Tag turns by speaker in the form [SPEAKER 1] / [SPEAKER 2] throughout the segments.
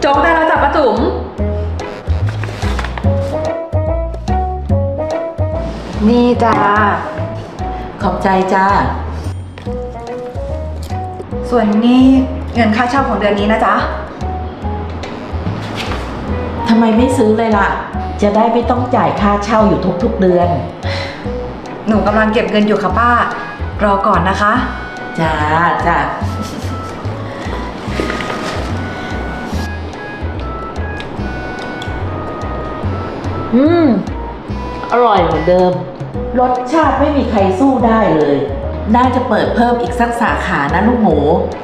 [SPEAKER 1] จ๊กได้แล้วจ้ะป้าจุ๋มนี่จ้า
[SPEAKER 2] ขอบใจจ้า
[SPEAKER 1] ส่วนนี้เงินค่าเช่าของเดือนนี้นะจ๊ะ
[SPEAKER 2] ทำไมไม่ซื้อเลยล่ะจะได้ไม่ต้องจ่ายค่าเช่าอยู่ทุกๆเดือน
[SPEAKER 1] หนูกำลังเก็บเงินอยู่ค่ะป้ารอก่อนนะคะ
[SPEAKER 2] จ้าจ้าอร่อยเหมือนเดิมรสชาติไม่มีใครสู้ได้เลยน่าจะเปิดเพิ่มอีกสักสาขานะลูกหมู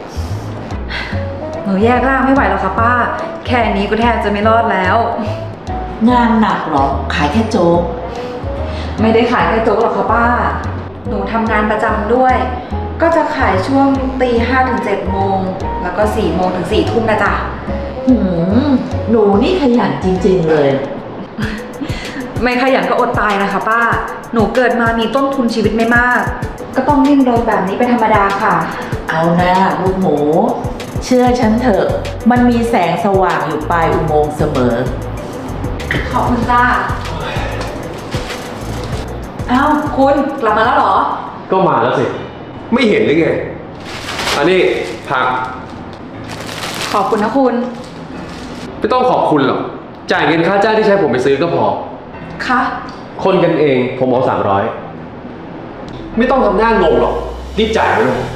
[SPEAKER 1] หนูแยกร่างไม่ไหวแล้วค่ะป้าแค่นี้ก็แทบจะไม่รอดแล้ว
[SPEAKER 2] งานหนักหรอขายแค่โจ๊ก
[SPEAKER 1] ไม่ได้ขายแค่โจ๊กหรอกค่ะป้าหนูทำงานประจำด้วยก็จะขายช่วงตี 5 ถึง 7 โมงแล้วก็4 โมงถึง 4 ทุ่มนะจ๊ะ
[SPEAKER 2] หนูนี่ขยันจริงๆเลย
[SPEAKER 1] ไม่ขยันก็อดตายนะคะป้าหนูเกิดมามีต้นทุนชีวิตไม่มากก็ต้องดิ้นรนแบบนี้เป็นธรรมดาค่ะ
[SPEAKER 2] เอานะลูกหมูเชื่อฉันเถอะมันมีแสงสว่างอยู่ปลายอุโมงค์เสมอ
[SPEAKER 1] ขอบคุณจ้าอ้าวคุณกลับมาแล้วเหรอ
[SPEAKER 3] ก็มาแล้วสิไม่เห็นหรือไงอันนี้ผัก
[SPEAKER 1] ขอบคุณนะคุณ
[SPEAKER 3] ไม่ต้องขอบคุณหรอกจ่ายเงินค่าจ้างที่ใช้ผมไปซื้อก็พอ
[SPEAKER 1] คะ
[SPEAKER 3] คนกันเองผมเอา300ไม่ต้องทำหน้างงหรอกรีบจ่ายไปเลย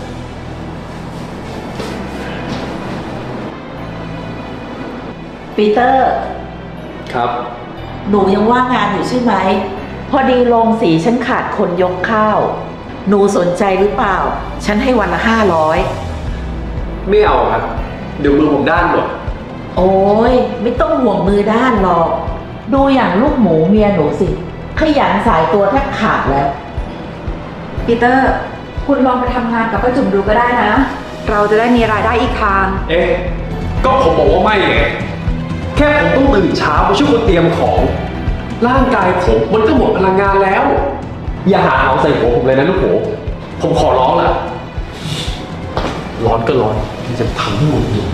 [SPEAKER 2] ปีเตอร์
[SPEAKER 3] ครับ
[SPEAKER 2] หนูยังว่างงานอยู่ใช่ไหมพอดีโรงสีฉันขาดคนยกข้าวหนูสนใจหรือเปล่าฉันให้วันละ500
[SPEAKER 3] ไม่เอาครับเดี๋ยวมือผมด้านหมด
[SPEAKER 2] โอ้ยไม่ต้องห่วงมือด้านหรอกดูอย่างลูกหมูเมียหนูสิขยันสายตัวแทบขาดแล้ว
[SPEAKER 1] ปีเตอร์คุณลองไปทำงานกับป้าจุ๋มดูก็ได้นะเราจะได้มีรายได้อีกทาง
[SPEAKER 3] ก็ผมบอกว่าไม่ไงแค่ผมต้องตื่นเช้าไปช่วยคนเตรียมของร่างกายผมมันก็หมดพลังงานแล้วอย่าหาเอาใส่หัวผมเลยนะลูกหมูผมขอร้องล่ะร้อนก็ร้อนที่จะทำให้หมดอยู่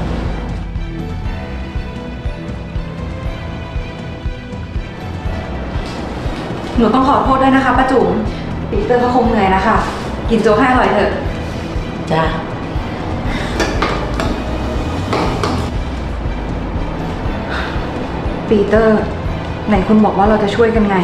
[SPEAKER 1] หนูต้องขอโทษด้วยนะคะป้าจุ๋มปีเตอร์เขาคงเหนื่อยนะคะกินโจ๊กให้อร่อยเถอะ
[SPEAKER 2] จ้า
[SPEAKER 1] ปีเตอร์ไหนคุณบอกว่าเราจะช่วยกันไง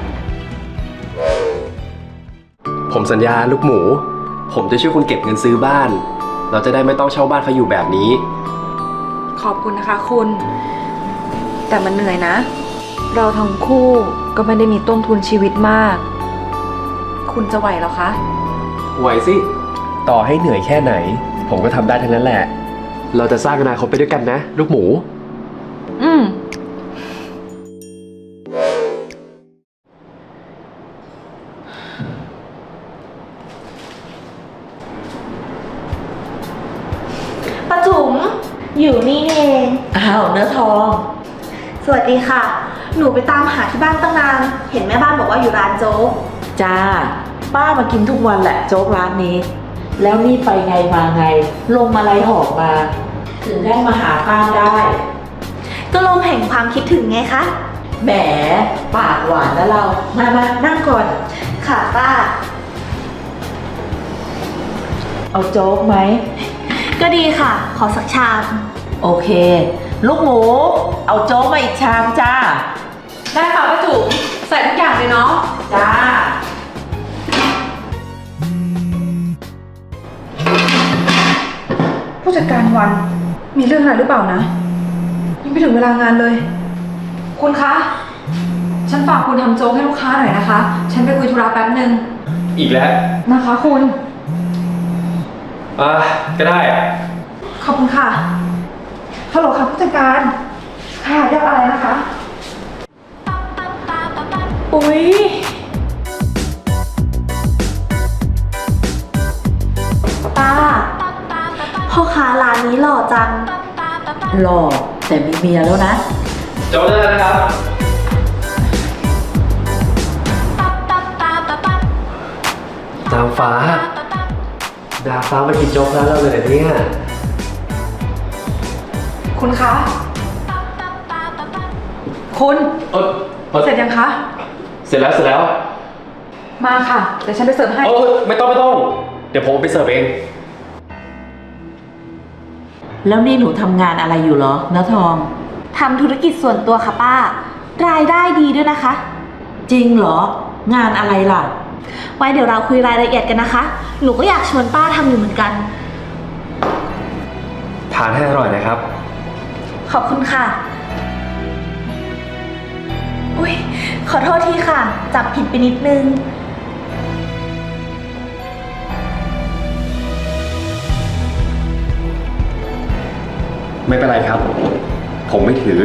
[SPEAKER 3] ผมสัญญาลูกหมูผมจะช่วยคุณเก็บเงินซื้อบ้านเราจะได้ไม่ต้องเช่าบ้านเขาอยู่แบบนี้
[SPEAKER 1] ขอบคุณนะคะคุณแต่มันเหนื่อยนะเราทั้งคู่ก็ไม่ได้มีต้นทุนชีวิตมากคุณจะไหวหรอคะ
[SPEAKER 3] ไหวสิต่อให้เหนื่อยแค่ไหนผมก็ทำได้ทั้งนั้นแหละเราจะสร้างอนาคตไปด้วยกันนะลูกหมู
[SPEAKER 4] ป้าจุ๋มอยู่นี่เอง
[SPEAKER 2] อ้าวเนื้อทอง
[SPEAKER 4] สวัสดีค่ะหนูไปตามหาที่บ้านตั้งนานเห็นแม่บ้านบอกว่าอยู่ร้านโจ๊ก
[SPEAKER 2] จ้าป้ามากินทุกวันแหละโจ๊กร้านนี้แล้วนี่ไปไงมาไงลมอะไรหอบมาถึงได้มาหาป้าได้
[SPEAKER 4] ก็ลมแห่งความคิดถึงไงคะ
[SPEAKER 2] แหมปากหวานแล้วเรามานั่งก่อน
[SPEAKER 4] ค่ะป้า
[SPEAKER 2] เอาโจ๊กไหม
[SPEAKER 4] ก็ดีค่ะขอสักชาม
[SPEAKER 2] โอเคลูกหมูเอาโจ๊กมาอีกชามจ้า
[SPEAKER 1] ได้ค่ะป้าจุ๋มใส่ทุกอย่างเลยเนาะ
[SPEAKER 2] จ้า
[SPEAKER 1] ผู้จัดการวันมีเรื่องอะไรหรือเปล่านะยังไม่ถึงเวลางานเลยคุณคะฉันฝากคุณทำโจ๊กให้ลูกค้าหน่อยนะคะฉันไปคุยธุระแป๊บนึง
[SPEAKER 3] อีกแล้ว
[SPEAKER 1] นะคะคุณ
[SPEAKER 3] ก็ได้
[SPEAKER 1] ขอบคุณค่ะฮัลโหลค่ะผู้จัดการค่ะเรียกอะไรนะคะ
[SPEAKER 4] อุ๊ยป้าพ่อค้าร้านนี้หล่อจัง
[SPEAKER 2] หล่อแต่มีเมียแล้วนะ
[SPEAKER 3] โจ๊กได้นะครับนางฟ้าดาฟ้ามากินโจ๊กร้านเราเลยเนี่ย
[SPEAKER 1] คุณคะ คุณ เสร็จยังคะ
[SPEAKER 3] เสร็จแล้ว
[SPEAKER 1] มาค่ะ เดี๋ยวฉันไปเสิร์ฟให้
[SPEAKER 3] ไม่ต้อง เดี๋ยวผมไปเสิร์ฟเอง
[SPEAKER 2] แล้วนี่หนูทำงานอะไรอยู่เหรอเนื้อทอง
[SPEAKER 4] ทำธุรกิจส่วนตัวค่ะป้า รายได้ดีด้วยนะคะ
[SPEAKER 2] จริงเหรอ งานอะไรล่ะ
[SPEAKER 4] ไว้เดี๋ยวเราคุยรายละเอียดกันนะคะ หนูก็อยากชวนป้าทำอยู่เหมือนกัน
[SPEAKER 3] ทานให้อร่อยนะครับ
[SPEAKER 4] ขอบคุณค่ะ อุ๊ย ขอโทษทีค่ะ จับผิดไปนิดนึง
[SPEAKER 3] ไม่เป็นไรครับ ผมไม่ถือ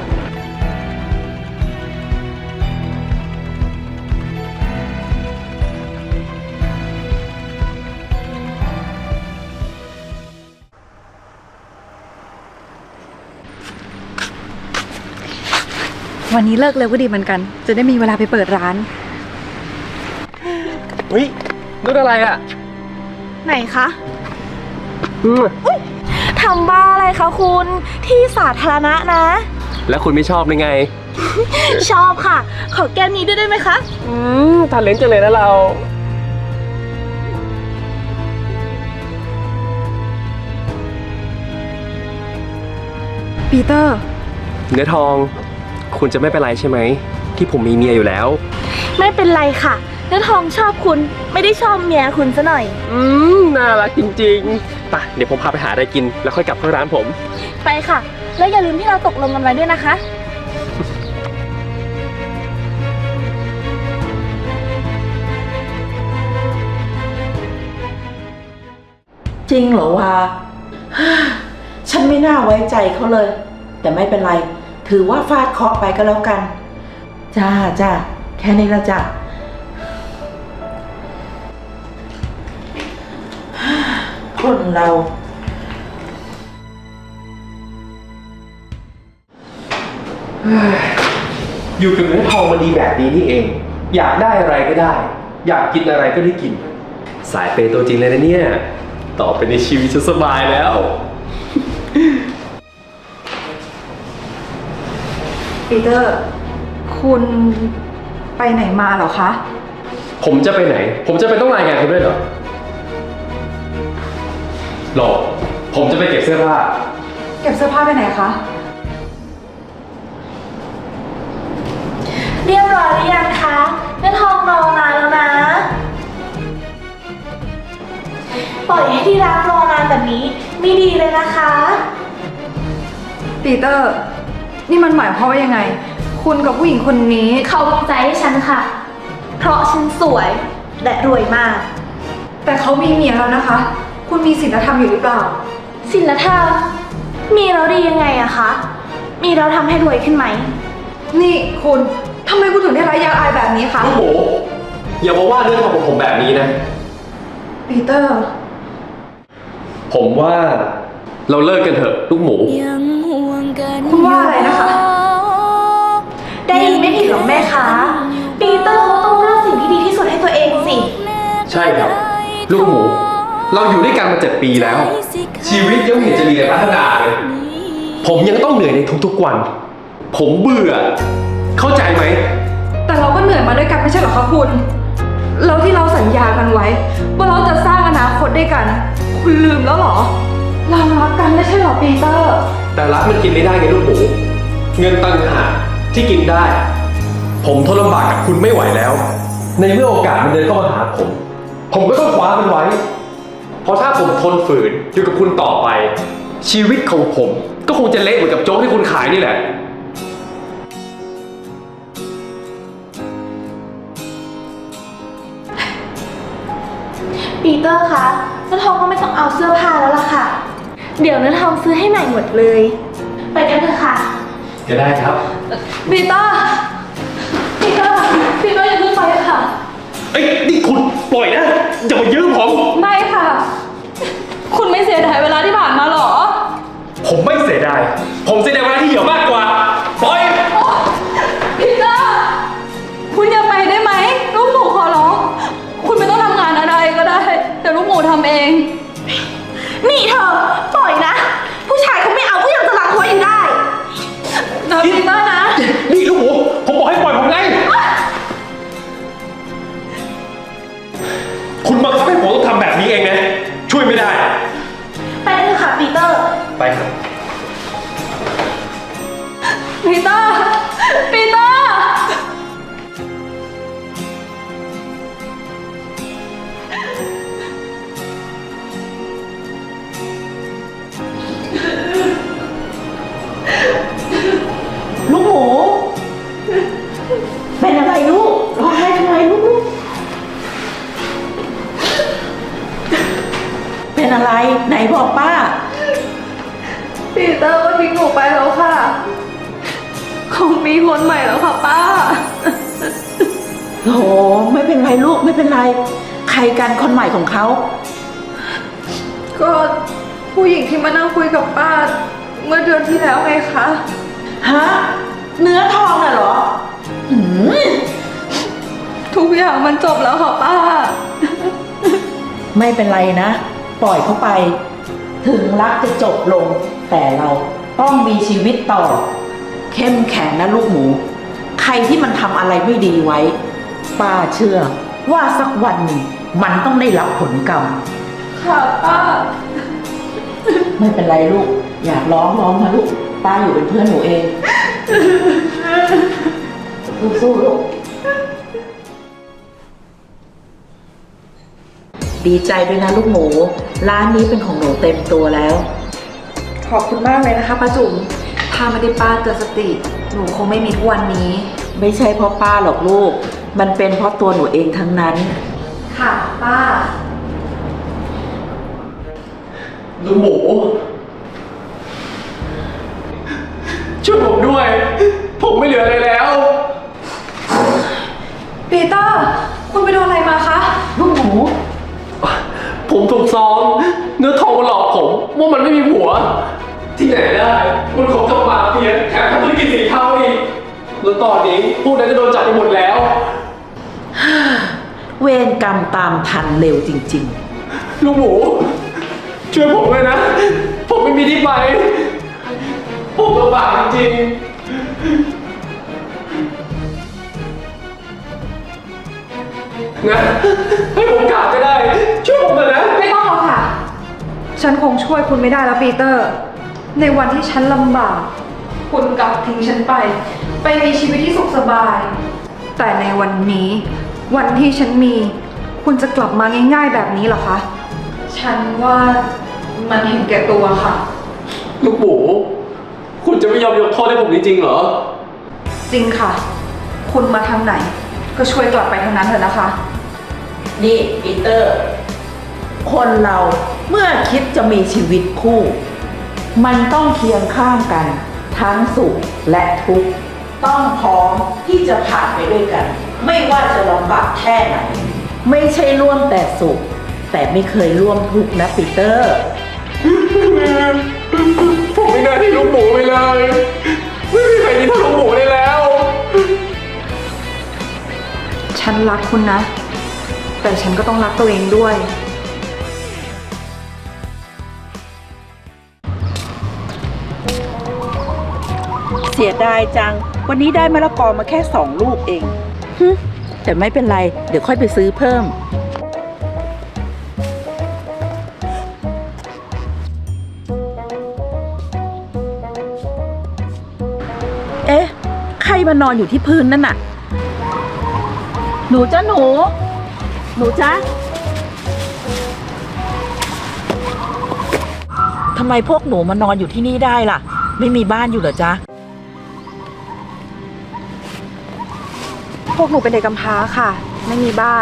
[SPEAKER 1] วันนี้เลิกเร็วก็ดีเหมือนกัน จะได้มีเวลาไปเปิดร้าน
[SPEAKER 3] เฮ้ยนู่นอะไรอ่ะ
[SPEAKER 4] ไหนคะทำบ้าอะไรคะคุณ ที่สาธารณะนะ
[SPEAKER 3] แล้วคุณไม่ชอบเลยไง
[SPEAKER 4] ชอบค่ะ ขอแก้มนี้ด้วยได้ไหมคะ
[SPEAKER 3] ทานเลนจังเลยนะเรา
[SPEAKER 1] ปีเตอร์
[SPEAKER 3] เนื้อทอง คุณจะไม่เป็นไรใช่ไหม ที่ผมมีเมียอยู่แล้ว
[SPEAKER 4] ไม่เป็นไรค่ะเนื้อทองชอบคุณ ไม่ได้ชอบเมียคุณซะหน่อย
[SPEAKER 3] น่ารักจริงๆไปเดี๋ยวผมพาไปหาอะไรกิน แล้วค่อยกลับเข้าร้านผม
[SPEAKER 4] ไปค่ะ แล้วอย่าลืมที่เราตกลงกันไว้ด้วยนะคะ
[SPEAKER 2] จริงเหรอวะ ฉันไม่น่าไว้ใจเขาเลย แต่ไม่เป็นไร ถือว่าฟาดเคราะห์ไปก็แล้วกัน จ้า แค่นี้ละจ้ะ คนเรา
[SPEAKER 3] อยู่กับเนื้อทองมันดีแบบนี้นี่เอง อยากได้อะไรก็ได้ อยากกินอะไรก็ได้กิน สายเปย์ตัวจริงเลยนะเนี่ย ต่อไปในชีวิตฉันสบายแล้ว
[SPEAKER 1] ปีเตอร์ คุณไปไหนมาเหรอคะ
[SPEAKER 3] ผมจะไปไหน ผมจะไปต้องรายงานคุณด้วยเหรอหรอกผมจะไปเก็บเสื้อผ้า
[SPEAKER 1] เก็บเสื้อผ้าไปไหนคะ
[SPEAKER 4] เรียบร้อยหรือยังคะเนื้อทองรอนานแล้วนะ ปล่อยให้ที่ร้านรอนานแบบนี้ไม่ดีเลยนะคะ
[SPEAKER 1] ปีเตอร์ นี่มันหมายความว่ายังไง คุณกับผู้หญิงคนนี้
[SPEAKER 4] เขาวางใจให้ฉันค่ะ เพราะฉันสวยและรวยมาก
[SPEAKER 1] แต่เขามีเมียแล้วนะคะ คุณมีศีลธรรมอยู่หรือเปล่า
[SPEAKER 4] ศีลธรรมมีแล้วดียังไงอะคะ มีแล้วทำให้รวยขึ้นไหม
[SPEAKER 1] นี่คุณทำไมคุณถึงได้ร้ายยางอายแบบนี้คะ
[SPEAKER 3] ลูกหมูอย่ามาว่าเรื่องของผมแบบนี้นะ
[SPEAKER 1] ปีเตอร์
[SPEAKER 3] ผมว่าเราเลิกกันเถอะลูกหมู
[SPEAKER 1] คุณว่าอะไรนะคะ
[SPEAKER 4] ได้ยินไม่ผิดหรอกแม่คะปีเตอร์เขาต้องเลือกสิ่งที่ดีที่สุดให้ตัวเองสิ
[SPEAKER 3] ใช่ครับ ลูกหมู เราอยู่ด้วยกันมา7 ปีแล้ว ชีวิตยังไม่เห็นจะมีอะไรพัฒนาเลย ผมยังต้องเหนื่อยในทุกๆวัน ผมเบื่อ เข้าใจไหม
[SPEAKER 1] แต่เราก็เหนื่อยมาด้วยกันไม่ใช่เหรอคะคุณ แล้วที่เราสัญญากันไว้ ว่าเราจะสร้างอนาคตด้วยกัน คุณลืมแล้วเหรอ เรารักกันไม่ใช่เหรอปีเตอร์
[SPEAKER 3] แต่รักมันกินไม่ได้ไงลูกหมู เงินต่างหากที่กินได้ ผมทนลำบากกับคุณไม่ไหวแล้ว ในเมื่อโอกาสมันเดินเข้ามาหาผมก็ต้องคว้ามันไว้ เพราะถ้าผมทนฝืนอยู่กับคุณต่อไป ชีวิตของผมก็คงจะเละเหมือนกับโจ๊กที่คุณขายนี่แหละ
[SPEAKER 4] ปีเตอร์คะเนื้อทองก็ไม่ต้องเอาเสื้อผ้าแล้วล่ะค่ะ เดี๋ยวเนื้อทองซื้อให้ใหม่หมดเลย ไปกันเถอะค่ะ
[SPEAKER 3] จะได้ครับ
[SPEAKER 1] ปีเตอร์ ปีเตอร์ ปีเตอร์อย่าเพิ่งไปค่ะ
[SPEAKER 3] เอ้ยนี่คุณปล่อยนะอย่ามายื้อผม
[SPEAKER 1] ไม่ค่ะ คุณไม่เสียดายเวลาที่ผ่านมาเหรอ
[SPEAKER 3] ผมไม่เสียดาย ผมเสียดายเวลาที่เหยื่อมากกว่า ปล่อย
[SPEAKER 1] ปีเตอร์ คุณอย่าไปได้ไหม ลูกหมูขอร้อง คุณไม่ต้องทำงานอะไรก็ได้ แต่ลูกหมูทำเอง
[SPEAKER 4] นี่เธอ ปล่อยนะ ผู้ชายเขาไม่เอาก็ยังจะรักไว้
[SPEAKER 1] ปีเตอร์ ปีเตอร์
[SPEAKER 2] ลูกหมู เป็นอะไรลูกร้องไห้ทำไมลูกเป็นอะไรไหนบอกป้า
[SPEAKER 1] ปีเตอร์ก็ทิ้งหนูไปแล้วค่ะ คงมีคนใหม่แล้วค่ะป้า
[SPEAKER 2] โหไม่เป็นไรลูกไม่เป็นไร ใครกันคนใหม่ของเขา
[SPEAKER 1] ก็ผู้หญิงที่มานั่งคุยกับป้า เมื่อเดือนที่แล้วไงคะ
[SPEAKER 2] ฮะเนื้อทองน่ะเหรอหืม
[SPEAKER 1] ทุกอย่างมันจบแล้วค่ะป้า
[SPEAKER 2] ไม่เป็นไรนะ ปล่อยเขาไป ถึงรักจะจบลง แต่เราต้องมีชีวิตต่อ เข้มแข็งนะลูกหมู ใครที่มันทำอะไรไม่ดีไว้ ป้าเชื่อว่าสักวันหนึ่งมันต้องได้รับผลกรรม
[SPEAKER 1] ค่ะป้า
[SPEAKER 2] ไม่เป็นไรลูก อยากร้องนะลูก ป้าอยู่เป็นเพื่อนหนูเอง สู้ๆลูก ดีใจด้วยนะลูกหมู ร้านนี้เป็นของหนูเต็มตัวแล้ว
[SPEAKER 1] ขอบคุณมากเลยนะคะป้าจุ๋มถ้าไม่ได้ป้าเตือนสติ หนูคงไม่มีทุกวันนี้
[SPEAKER 2] ไม่ใช่เพราะป้าหรอกลูก มันเป็นเพราะตัวหนูเองทั้งนั้น
[SPEAKER 1] ค่ะป้า
[SPEAKER 3] ลูกหมู ช่วยผมด้วย ผมไม่เหลืออะไรแล้ว
[SPEAKER 1] ปีเตอร์ คุณไปโดนอะไรมาคะ
[SPEAKER 2] ลูกหมู
[SPEAKER 3] ผมถูกซ้อมเนื้อทองมาหลอกผมว่ามันไม่มีผัว ที่ไหนได้มันของกับมาเฟียแถมทำธุรกิจสีเทาอีกแล้วตอนนี้พวกนั้นจะโดนจับไปหมดแล้ว
[SPEAKER 2] เวรกรรมตามทันเร็วจริง
[SPEAKER 3] ลูกหมู ช่วยผมเลยนะ ผมไม่มีที่ไป ผมลำบากจริงๆนะให้ผมกราบก็ได้ ช่วยผมเลยนะ
[SPEAKER 1] ไม่ต้องหรอกค่ะ ฉันคงช่วยคุณไม่ได้แล้วปีเตอร์ ในวันที่ฉันลำบาก คุณกลับทิ้งฉันไปมีชีวิตที่สุขสบาย แต่ในวันนี้ วันที่ฉันมี คุณจะกลับมาง่ายๆแบบนี้เหรอคะ ฉันว่ามันเห็นแก่ตัวค่ะ
[SPEAKER 3] ลูกหมู คุณจะไม่ยอมยกโทษให้ผมจริงๆเหรอ
[SPEAKER 1] จริงค่ะ คุณมาทางไหน ก็ช่วยกลับไปทางนั้นเถอะนะคะ
[SPEAKER 2] ๆ นี่ปีเตอร์ คนเราเมื่อคิดจะมีชีวิตคู่ มันต้องเคียงข้างกัน ทั้งสุขและทุกข์ ต้องพร้อมที่จะผ่านไปด้วยกัน ไม่ว่าจะลำบากแค่ไหน ไม่ใช่ร่วมแต่สุข แต่ไม่เคยร่วมทุกข์นะปีเตอร์
[SPEAKER 3] ผมไม่น่าที่ลูกหมูไปเลย ไม่มีใครที่เท่าลูกหมูได้แล้ว
[SPEAKER 1] ฉันรักคุณนะ แต่ฉันก็ต้องรักตัวเองด้วย
[SPEAKER 2] เสียดายจัง วันนี้ได้มะละกอมาแค่2 ลูกเองฮึแต่ไม่เป็นไร เดี๋ยวค่อยไปซื้อเพิ่ม เอ๊ะ ใครมานอนอยู่ที่พื้นนั่นน่ะ หนูจ้าหนู หนูจ้าทำไมพวกหนูมานอนอยู่ที่นี่ได้ล่ะ ไม่มีบ้านอยู่เหรอจ๊ะ
[SPEAKER 1] พวกหนูเป็นเด็กกำพร้าค่ะ ไม่มีบ้าน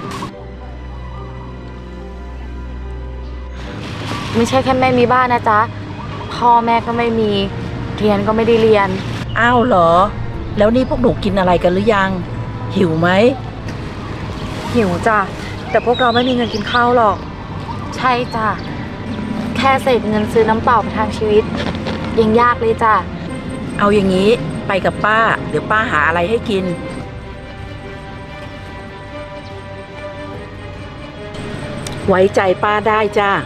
[SPEAKER 5] ไม่ใช่แค่ไม่มีบ้านนะจ๊ะ พ่อแม่ก็ไม่มี เรียนก็ไม่ได้เรียน
[SPEAKER 2] อ้าวเหรอ แล้วนี่พวกหนูกินอะไรกันหรือยัง หิวไหม
[SPEAKER 1] หิวจ้ะ แต่พวกเราไม่มีเงินกินข้าวหรอก
[SPEAKER 5] ใช่จ้ะ แค่เศษเงินซื้อน้ำเปล่าประทังชีวิต ยังยากเลยจ้ะ
[SPEAKER 2] เอาอย่างนี้ไปกับป้า เดี๋ยวป้าหาอะไรให้กิน ไว้ใจป้าได้จ้า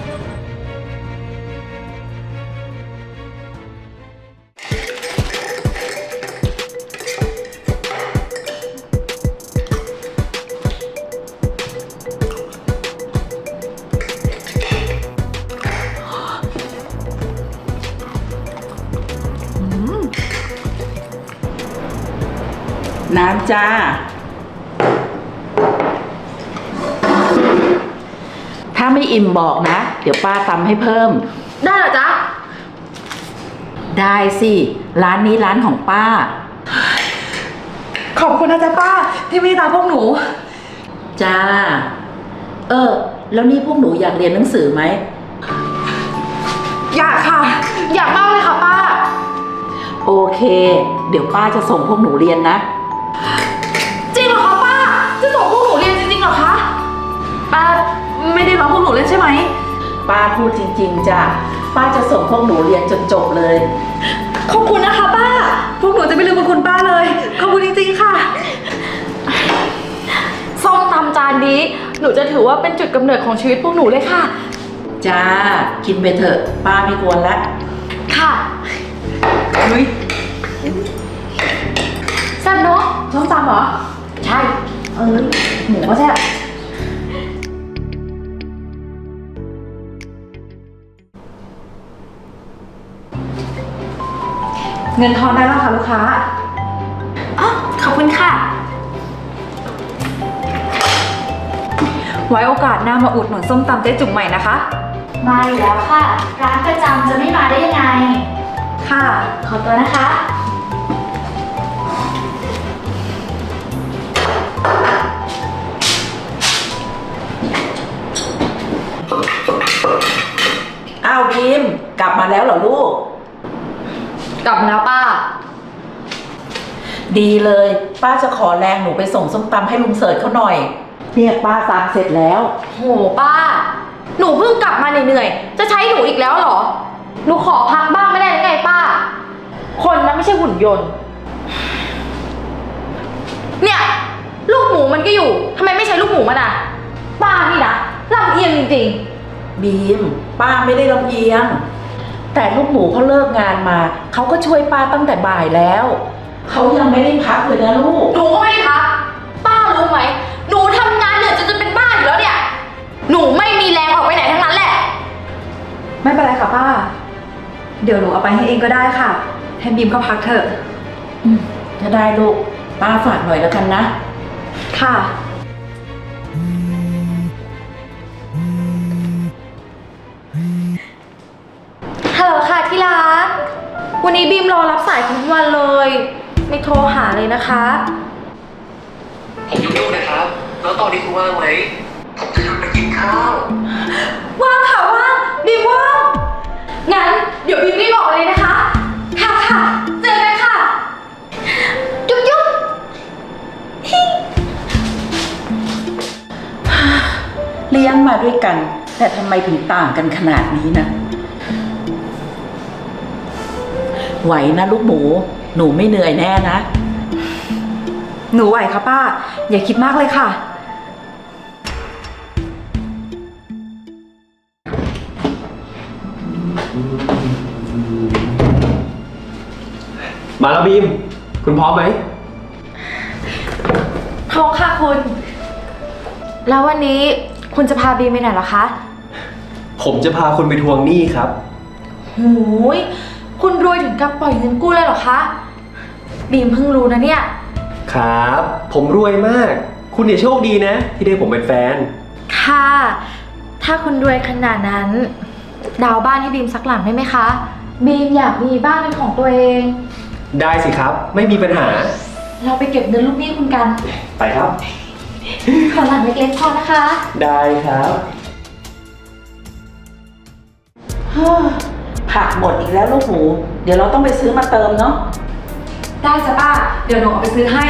[SPEAKER 2] น้ำจ้า ถ้าไม่อิ่มบอกนะ เดี๋ยวป้าตำให้เพิ่ม
[SPEAKER 4] ได้เหรอจ๊ะ
[SPEAKER 2] ได้สิ ร้านนี้ร้านของป้า
[SPEAKER 1] ขอบคุณนะจ๊ะป้า ที่เมตตาพวกหนู
[SPEAKER 2] จ้า แล้วนี่พวกหนูอยากเรียนหนังสือไหม
[SPEAKER 1] อยากค่ะ
[SPEAKER 4] อยากมากเลยค่ะป้า
[SPEAKER 2] โอเค เดี๋ยวป้าจะส่งพวกหนูเรียนนะ
[SPEAKER 4] จริงเหรอคะป้า จะส่งพวกหนูเรียนจริงๆเหรอคะ
[SPEAKER 1] ป้าไม่ได้ร้องพวกหนูเล่นใช่ไหม
[SPEAKER 2] ป้าพูดจริงๆจ้ะ ป้าจะส่งพวกหนูเรียนจนจบเลย
[SPEAKER 1] ขอบคุณนะคะป้า พวกหนูจะไม่ลืมบุญคุณป้าเลย ขอบคุณจริงๆค่ะ
[SPEAKER 4] ส้มตำจานนี้ หนูจะถือว่าเป็นจุดกำเนิดของชีวิตพวกหนูเลยค่ะ
[SPEAKER 2] จ้า กินไปเถอะ ป้าไม่กวนละ
[SPEAKER 4] ค่ะ
[SPEAKER 1] นุ้ย
[SPEAKER 4] แซ่บเนาะ
[SPEAKER 1] ส้มตำเหรอ
[SPEAKER 4] ใช่ หมูก็แซ่บ
[SPEAKER 1] เงินทอนได้แล้วค่ะลูกค้า
[SPEAKER 4] อ๋อ ขอบคุณค่ะ
[SPEAKER 1] ไว้โอกาสหน้ามาอุดหนุนส้มตำเจ๊จุ๋มใหม่นะคะ
[SPEAKER 5] มาอยู่แล้วค่ะ ร้านประจำจะไม่มาได้ยังไง
[SPEAKER 1] ค่ะ
[SPEAKER 5] ขอตัวนะคะ
[SPEAKER 2] อ้าวบีม กลับมาแล้วเหรอลูก
[SPEAKER 1] กลับมาแล้วป้า
[SPEAKER 2] ดีเลย ป้าจะขอแรงหนูไปส่งส้มตำให้ลุงเสิร์ชเขาหน่อยเนี่ยป้าตำเสร็จแล้ว
[SPEAKER 4] โหป้า หนูเพิ่งกลับมาเหนื่อยๆ จะใช้หนูอีกแล้วเหรอ หนูขอพักบ้างไม่ได้หรือไงป้า คนนะไม่ใช่หุ่นยนต์ เนี่ย ลูกหมูมันก็อยู่ ทำไมไม่ใช้ลูกหมูมันอ่ะ ป้านี่นะลำเอียงจริง
[SPEAKER 2] บีม ป้าไม่ได้ลำเอียง แต่ลูกหมูเขาเลิกงานมา เขาก็ช่วยป้าตั้งแต่บ่ายแล้ว เขายังไม่ได้พักเลยนะลูก
[SPEAKER 4] ๆ หนูก็ไม่ได้พัก ป้ารู้ไหม หนูทำงานเหนื่อยจนจะเป็นบ้าอยู่แล้วเนี่ย หนูไม่มีแรงออกไปไหนทั้งนั้นแหละ
[SPEAKER 1] ไม่เป็นไรค่ะป้า เดี๋ยวหนูเอาไปให้เองก็ได้ค่ะ ให้บีมเขาพักเถอะ
[SPEAKER 2] ถ้าได้ลูก ป้าฝากหน่อยแล้วกันนะ
[SPEAKER 1] ค่ะ
[SPEAKER 4] ฮัลโหลค่ะที่รัก วันนี้บีมรอรับสายทุกวันเลย ไม่โทรหาเลยนะคะ
[SPEAKER 6] ผมยุ่งๆนะครับ แล้วตอนนี้คุณว่างไหม ผมจะชวนไปกินข้าว
[SPEAKER 4] ว่างค่ะว่างบีมว่าง งั้นเดี๋ยวบีมรีบบอกเลยนะคะ ค่ะค่ะ เจอกันค่ะ จุ๊บจุ๊บ
[SPEAKER 2] เลี้ยงมาด้วยกัน แต่ทำไมถึงต่างกันขนาดนี้นะ ไหวนะลูกหมู หนูไม่เหนื่อยแน่นะ
[SPEAKER 1] หนูไหวค่ะป้า อย่าคิดมากเลยค่ะ
[SPEAKER 3] มาแล้วบีม คุณพร้อมไหม
[SPEAKER 4] พร้อมค่ะคุณ แล้ววันนี้คุณจะพาบีมไปไหนเหรอคะ
[SPEAKER 3] ผมจะพาคุณไปทวงหนี้ครับ
[SPEAKER 4] หูย คุณรวยถึงกับปล่อยเงินกู้เลยเหรอคะ บีมเพิ่งรู้นะเนี่ย
[SPEAKER 3] ครับ ผมรวยมาก คุณเนี่ยโชคดีนะ ที่ได้ผมเป็นแฟน
[SPEAKER 4] ค่ะ ถ้าคุณรวยขนาดนั้น ดาวน์บ้านให้บีมสักหลังได้ไหมคะ บีมอยากมีบ้านเป็นของตัวเอง
[SPEAKER 3] ได้สิครับ ไม่มีปัญหา
[SPEAKER 4] เราไปเก็บเงินลูกหนี้คุณกัน
[SPEAKER 3] ไปครับ
[SPEAKER 4] ขอหลังเล็กๆพอนะคะ
[SPEAKER 3] ได้ครับ
[SPEAKER 2] ผักหมดอีกแล้วลูกหมู เดี๋ยวเราต้องไปซื้อมาเติมเนาะ
[SPEAKER 1] ได้จ้ะป้า เดี๋ยวหนูเอาไปซื้อให้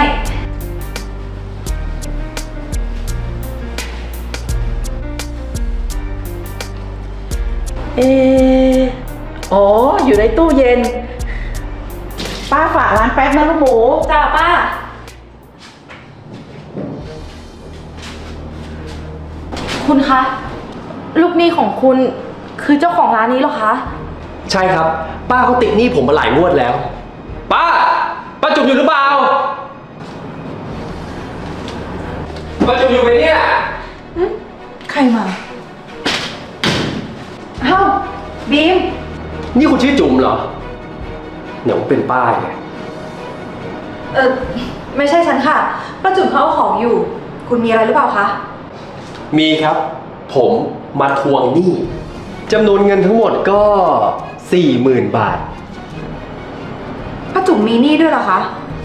[SPEAKER 2] อ๋อ อยู่ในตู้เย็น ป้าฝากร้านแป๊บนะลูกหมู
[SPEAKER 1] จ้าป้า
[SPEAKER 4] คุณคะ ลูกหนี้ของคุณคือเจ้าของร้านนี้เหรอคะ
[SPEAKER 3] ใช่ครับ ป้าเขาติดหนี้ผมมาหลายงวดแล้ว ป้า ป้าจุ๋มอยู่หรือเปล่า ป้าจุ๋มอยู่ไหมเนี่ย
[SPEAKER 1] ใครมาเอ้าบีม
[SPEAKER 3] นี่คุณชื่อจุ๋มเหรอเดี๋ยวเป็นป้าไง
[SPEAKER 1] เออไม่ใช่ฉันค่ะป้าจุ๋มเขาเอาของอยู่ คุณมีอะไรหรือเปล่าคะ
[SPEAKER 3] มีครับ ผมมาทวงหนี้จำนวนเงินทั้งหมดก็ 40,000 บาท
[SPEAKER 1] ป้าจุ๋มมีหนี้ด้วยเหรอคะ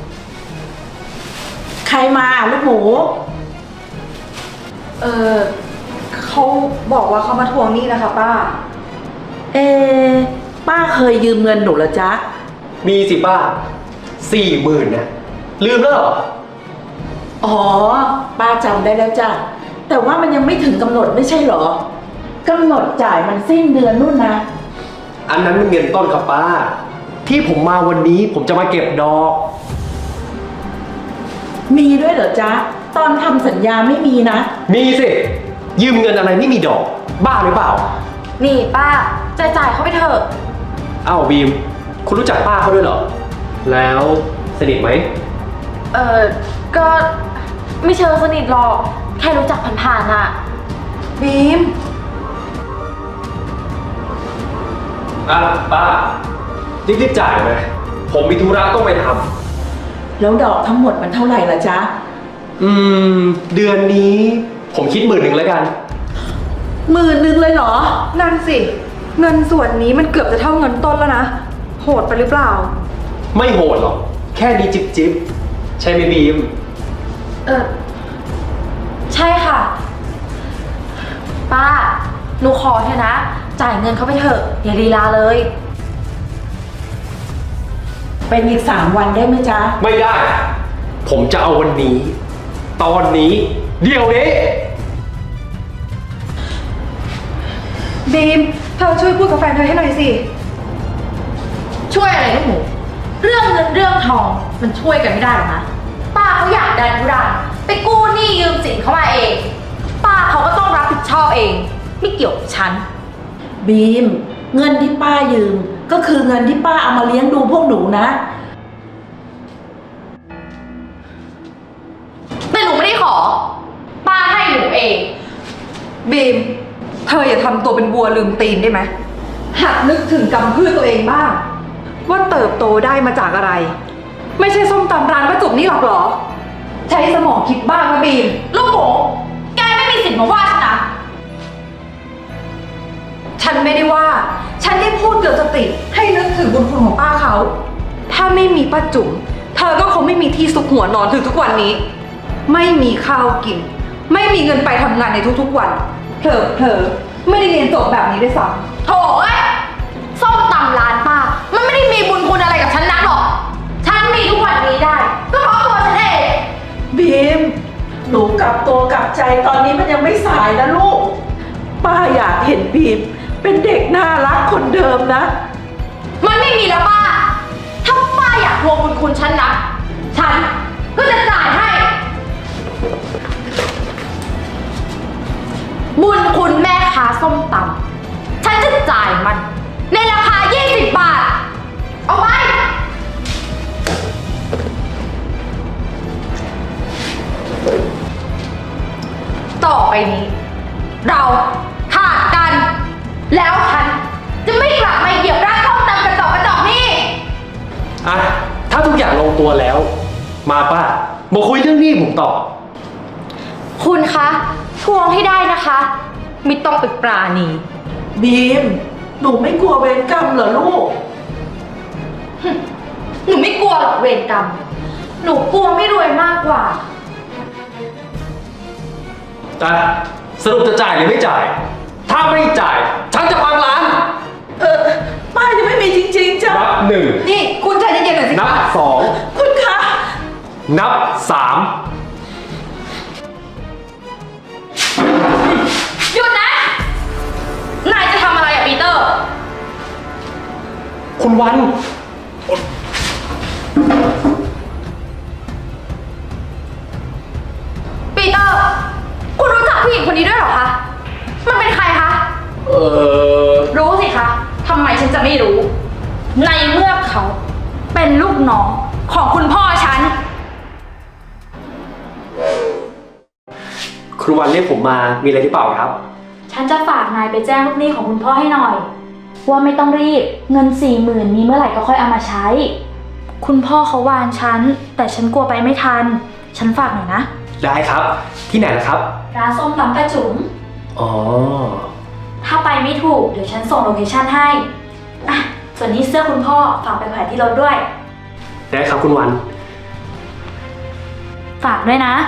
[SPEAKER 2] ใครมาลูกหมู
[SPEAKER 1] เออเขาบอกว่าเขามาทวงหนี้นะคะป้า
[SPEAKER 2] เอป้าเคยยืมเงินหนูเหรอจ๊ะ
[SPEAKER 3] มีสิป้า 40,000นะลืมแล้วเหรอ
[SPEAKER 2] อ๋อ ป้าจำได้แล้วจ้ะ แต่ว่ามันยังไม่ถึงกำหนดไม่ใช่เหรอกำหนดจ่ายมันสิ้นเดือนนู่นนะ
[SPEAKER 3] อันนั้นมันเงินต้นครับป้า ที่ผมมาวันนี้ผมจะมาเก็บดอก
[SPEAKER 2] มีด้วยเหรอจ๊ะ ตอนทำสัญญาไม่มีนะ
[SPEAKER 3] มีสิ ยืมเงินอะไรไม่มีดอก บ้าหรือเปล่า
[SPEAKER 5] นี่ป้าจ่ายเขาไปเถอะ
[SPEAKER 3] อ้าวบีม คุณรู้จักป้าเขาด้วยเหรอ แล้วสนิทไหม
[SPEAKER 5] ก็ไม่เชิงสนิทหรอก แค่รู้จักผ่านๆน่ะ
[SPEAKER 1] บีม
[SPEAKER 3] อ่ะป้ารีบๆจ่ายไหมผมมีธุระต้องไปท
[SPEAKER 2] แล้วดอกทั้งหมดมันเท่าไหร่ล่ะจ๊ะ
[SPEAKER 3] ำเดือนนี้ผมคิด10,000แล้วกัน
[SPEAKER 2] 10,000เลยเหรอ
[SPEAKER 1] นั่นสิ เงินส่วนนี้มันเกือบจะเท่าเงินต้นแล้วนะ โหดไปหรือเปล่า
[SPEAKER 3] ไม่โหดหรอก แค่นี้จิบใช่ไหมบีม
[SPEAKER 5] ใช่ค่ะ ป้า หนูขอเถอะนะ จ่ายเงินเขาไปเถอะ อย่าลีลาเลย
[SPEAKER 2] เป็นอีก3 วันได้ไหมจ๊ะ
[SPEAKER 3] ไม่ได้ ผมจะเอาวันนี้ ตอนนี้ เดี๋ยวนี้
[SPEAKER 1] บีม เธอช่วยพูดกับแฟนเธอให้หน่อยสิ
[SPEAKER 5] ช่วยอะไรลูกหมู เรื่องเงินเรื่องทองมันช่วยกันไม่ได้หรอกนะ ป้าเขาอยากดันทุรังไปกู้หนี้ยืมสินเขามาเอง ป้าเขาก็ต้องรับผิดชอบเอง ไม่เกี่ยวกับฉัน
[SPEAKER 2] บีม เงินที่ป้ายืม ก็คือเงินที่ป้าเอามาเลี้ยงดูพวกหนูนะ
[SPEAKER 5] แต่หนูไม่ได้ขอ ป้าให้หนูเอง
[SPEAKER 1] บีม เธออย่าทำตัวเป็นวัวลืมตีนได้ไหมหัดนึกถึงกำพืชตัวเองบ้าง ว่าเติบโตได้มาจากอะไร ไม่ใช่ส้มตำร้านป้าจุ๋มนี่หรอกเหรอ ใช้สมองคิดบ้างนะบีม
[SPEAKER 5] ลูกหมู แกไม่มีสิทธิ์มาว่าฉันนะ
[SPEAKER 1] ฉันไม่ได้ว่า ฉันได้พูดเตือนสติให้นึกถึงบุญคุณของป้าเขา ถ้าไม่มีป้าจุ๋ม เธอก็คงไม่มีที่ซุกหัวนอนถึงทุกวันนี้ ไม่มีข้าวกิน ไม่มีเงินไปทำงานในทุกๆวัน เผลอๆไม่ได้เรียนจบแบบนี้ด้วยซ้ำ
[SPEAKER 5] โถ่เอ้ยส้มตำร้านป้า มันไม่ได้มีบุญคุณอะไรกับฉันนักหรอก ฉันมีทุกวันนี้ได้ ก็เพราะตัวฉันเอง
[SPEAKER 2] บีม หนูกลับตัวกลับใจตอนนี้มันยังไม่สายนะลูก ป้าอยากเห็นบีม เป็นเด็กน่ารักคนเดิมนะ
[SPEAKER 5] มันไม่มีแล้วป้า ถ้าป้าอยากทวงบุญคุณฉันนะฉันก็จะจ่ายให้ บุญคุณแม่ค้าส้มตำฉันจะจ่ายมัน ในราคา 20 บาท เอาไป ต่อไปนี้ เราขาดกัน แล้วฉันจะไม่กลับมาเหยียบร้านส้มตำกระจอกนี่
[SPEAKER 3] อ่ะ ถ้าทุกอย่างลงตัวแล้ว มาป้ามาคุยเรื่องหนี้ผมต่อ
[SPEAKER 5] คุณคะ ทวงให้ได้นะคะ ไม่ต้องไปปราณี
[SPEAKER 2] บีม หนูไม่กลัวเวรกรรมเหรอลูก
[SPEAKER 5] หนูไม่กลัวหรอกเวรกรรม หนูกลัวไม่รวยมากกว่า
[SPEAKER 3] อ่ะ สรุปจะจ่ายหรือไม่จ่าย ถ้าไม่จ่าย ฉันจะพังร้าน
[SPEAKER 2] ป้ายังไม่มีจริงๆจ้ะ
[SPEAKER 3] นับ1
[SPEAKER 1] นี่คุณใจเย็นๆหน่อยสิ
[SPEAKER 3] นับ
[SPEAKER 2] คุณคะ
[SPEAKER 3] 2 นับ 3
[SPEAKER 5] หยุดนะ นายจะทำอะไรอะปีเตอร์
[SPEAKER 3] คุณวัน
[SPEAKER 5] ปีเตอร์ คุณรู้จักผู้หญิงคนนี้ด้วยเหรอคะ มันเป็นใครคะ รู้สิคะ ทำไมฉันจะไม่รู้ ในเมื่อเขาเป็นลูกน้องของคุณพ่อฉัน
[SPEAKER 3] ครูวันเรียกผมมา มีอะไรหรือเปล่าครับ
[SPEAKER 7] ฉันจะฝากนายไปแจ้งลูกหนี้ของคุณพ่อให้หน่อย ว่าไม่ต้องรีบ เงิน40,000มีเมื่อไหร่ก็ค่อยเอามาใช้คุณพ่อเขาวานฉัน แต่ฉันกลัวไปไม่ทัน ฉันฝากหน่อยนะ
[SPEAKER 3] ได้ครับ ที่ไหนล่ะครับ
[SPEAKER 7] ร้านส้มตำป้าจุ๋ม
[SPEAKER 3] อ๋อ
[SPEAKER 7] ถ้าไปไม่ถูก เดี๋ยวฉันส่งโลเคชั่นให้ อ่ะ ส่วนนี้เสื้อคุณพ่อฝากไปแขวนที่รถด้วย
[SPEAKER 3] ได้ครับคุณวัน
[SPEAKER 7] ฝากด้วยนะ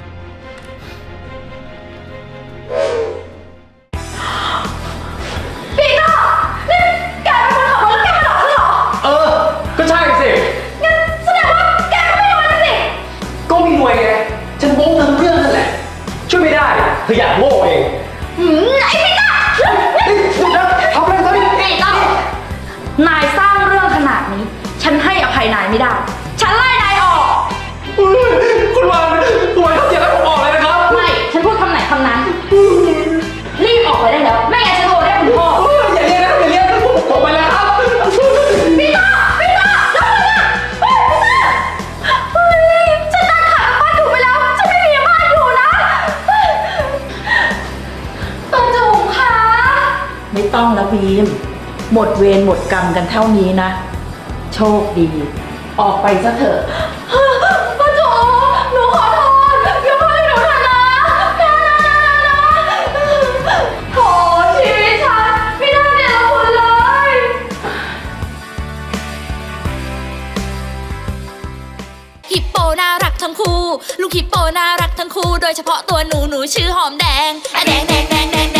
[SPEAKER 5] ปีเตอร์นี่แกเป็นคนขับรถแล้วแกมาหลอกฉันเหรอ
[SPEAKER 3] เออ ก็ใช่สิ
[SPEAKER 5] งั้นแสดงว่าแกก็ไม่รู้นะสิ
[SPEAKER 3] ก็มีหน่วยไง ฉันโม้เธอทุกเรื่องนั่นแหละ ช่วยไม่ได้ เธออยากโง่เอง
[SPEAKER 5] ไอ้ปีเตอร์
[SPEAKER 3] หยุดนะทำอะไรซะนี่
[SPEAKER 5] ปีเตอร์นายสร้างเรื่องขนาดนี้ ฉันให้อภัยนายไม่ได้ ฉันไล่นายออก
[SPEAKER 3] คุณวันเขาเสียแล้วผมออกเลยนะครับ
[SPEAKER 5] ไม่ ฉันพูดคำไหนคำนั้น รีบออกไปได้แล้ว ไม่งั้นฉันโทรเรียกคุณพ่อ
[SPEAKER 3] อย่าเรียกนะอย่าเรียกนะผมไปแล้วครับ
[SPEAKER 5] ปีเตอร์ปีเตอร์แล้วคุณอะเฮ้ยปีเตอร์เฮ้ยฉันตั้งขากับป้าจุ๋มไปแล้ว ฉันไม่มีบ้านอยู่นะเฮ้ยป้าจุ๋มคะ
[SPEAKER 2] ไม่ต้องแล้วบีม หมดเวรหมดกรรมกันเท่านี้นะ โชคดี ออกไปซะเถอะ
[SPEAKER 5] ป้าจุ๋มหนูขอโทษยกโทษให้หนูเถอะนะโถชีวิตฉันไม่ได้เนรคุณเลย
[SPEAKER 8] ฮิปโปน่ารักทั้งคู่ ลูกฮิปโปน่ารักทั้งคู่ โดยเฉพาะตัวหนูชื่อหอมแดงอะแดงแดงแดงแดง